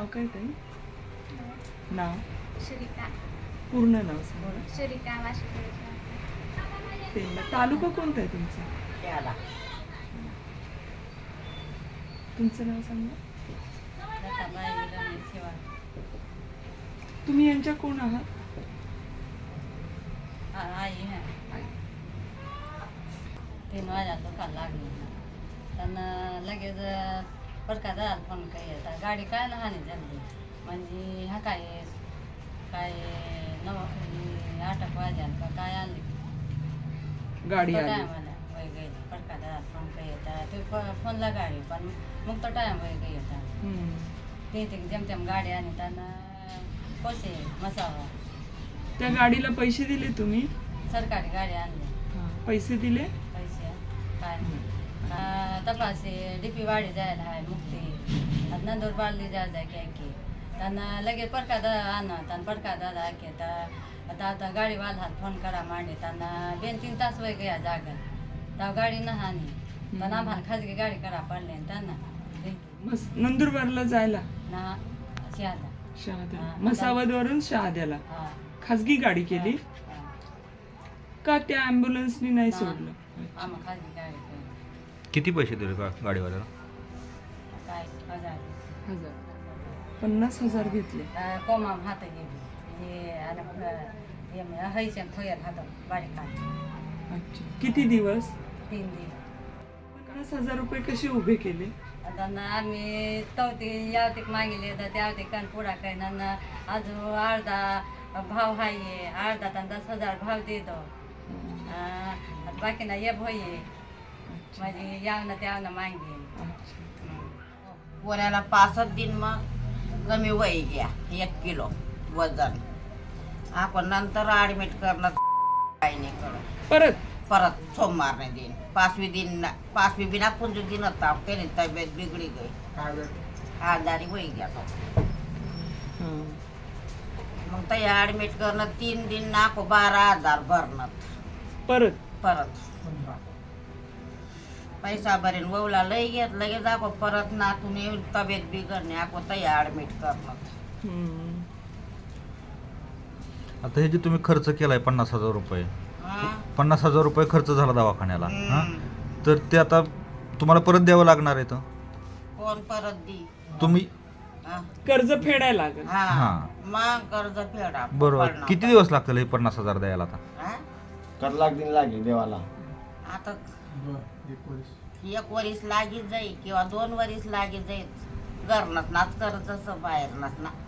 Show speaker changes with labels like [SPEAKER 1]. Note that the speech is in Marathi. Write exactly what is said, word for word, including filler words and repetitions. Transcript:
[SPEAKER 1] नाव काय ताई? नाव
[SPEAKER 2] श्रीका
[SPEAKER 1] पूर्ण नाव सांगा.
[SPEAKER 2] श्रीका वाशिम.
[SPEAKER 1] पेंडा. तालुका कोणता आहे तुमचा?
[SPEAKER 3] त्याला
[SPEAKER 1] तुमचं नाव सांगा.
[SPEAKER 3] लताबाई विलंबी सेवा.
[SPEAKER 1] तुम्ही यांच्या कोण आहात?
[SPEAKER 3] आ- आई है तीन वाजा दुकान लागली त्यांना लगेच परका फोन काही येतात गाडी काय लहान झाली म्हणजे हा काय काय नव आटक वाजाल का काय आणली
[SPEAKER 1] गाडी
[SPEAKER 3] तो
[SPEAKER 1] आली.
[SPEAKER 3] टायम आला वय गेली परका दादा फोन काही येतात ते फोनला गाडी पण मग तो टायम वय काही येतात
[SPEAKER 1] हम्म.
[SPEAKER 3] ते ते जेमतेम गाडी आणि त्यांना पैसे मसावा
[SPEAKER 1] त्या गाडीला पैसे दिले तुम्ही?
[SPEAKER 3] सरकारी गाडी आणली
[SPEAKER 1] हा. पैसे दिले?
[SPEAKER 3] पैसे काय तपासे डीपी वाडी जायला आहे मुक्ती आता नंदूर बाळली जा जाय काय की त्यांना लगेच परका दादा आणत आणि परका दादा की आता आता आता गाडीवाला फोन करा मांडे त्यांना दोन तीन तास वय गया जागा तेव्हा गाडी न हानी पण आम्हाला खाजगी गाडी करा पडली त्यांना
[SPEAKER 1] मस नंदुरबारला जायला
[SPEAKER 3] ना शहादा
[SPEAKER 1] शहाद्या.
[SPEAKER 3] हा.
[SPEAKER 1] मसावदवरून शहाद्याला
[SPEAKER 3] हा
[SPEAKER 1] खाजगी गाडी केली
[SPEAKER 3] हा.
[SPEAKER 1] का? त्या ॲम्ब्युलन्सनी नाही सोडलं?
[SPEAKER 3] आम्हाला खाजगी गाडी केली.
[SPEAKER 4] किती पैसे दिले का गाडीवाल्याला?
[SPEAKER 3] काय हजार
[SPEAKER 1] हजार पन्नास हजार घेतले.
[SPEAKER 3] कोमा हात गेली हे आणि हैशन थोयर हात बारीक हात
[SPEAKER 1] अच्छा. किती दिवस?
[SPEAKER 3] तीन दिवस
[SPEAKER 1] पन्नास हजार रुपये कसे उभे केले?
[SPEAKER 3] आता ना आम्ही तवती यावतीक मागिले तर त्यावती कान पुढा काही ना अजून अर्धा भाव आहे अर्धा तर दस हजार भाव देतो बाकी ना ये भोये म्हणजे यावनं त्यावनं मागे
[SPEAKER 5] पोऱ्याला पासष्ट दिन मग कमी वय घ्या एक किलो वजन आपण नंतर ॲडमिट करणं काही नाही करत
[SPEAKER 1] परत
[SPEAKER 5] परत सोमवारने दिन पाचवी दिन पाचवी बिना पुंजू दिन होता त्याने तब्येत बिगडी गई आजारी वय घ्या तो
[SPEAKER 1] हा.
[SPEAKER 5] मग ते ॲडमिट करणं तीन दिन नाको बारा हजार भरणं
[SPEAKER 1] परत
[SPEAKER 5] परत पैसा भरेन ववला लई घेत लगेच दाखव परत नातून येऊन तब्येत बिघडणे आपण ते ॲडमिट करणं
[SPEAKER 1] हम्म.
[SPEAKER 4] आता हे जे तुम्ही खर्च केलाय पन्नास हजार रुपये
[SPEAKER 5] हा?
[SPEAKER 4] पन्नास हजार रुपये खर्च झाला दवाखान्याला हा
[SPEAKER 5] हम्म.
[SPEAKER 4] तर ते आता तुम्हाला परत द्यावं लागणार आहे तर
[SPEAKER 5] कोण परत दी
[SPEAKER 4] तुम्ही
[SPEAKER 5] हा?
[SPEAKER 1] कर्ज फेडायला लागेल.
[SPEAKER 5] हा
[SPEAKER 4] हा.
[SPEAKER 5] मग कर्ज फेडा
[SPEAKER 4] बरोबर
[SPEAKER 5] पडणार.
[SPEAKER 4] किती दिवस लागतील हे पन्नास हजार द्यायला आता?
[SPEAKER 5] हा?
[SPEAKER 6] कर लाख दिन लागे देवाला.
[SPEAKER 5] आता एक वरीस लागीच जाई किंवा दोन वरीस लागीच जाईल घरनच नाच कर्ज बाहेर ना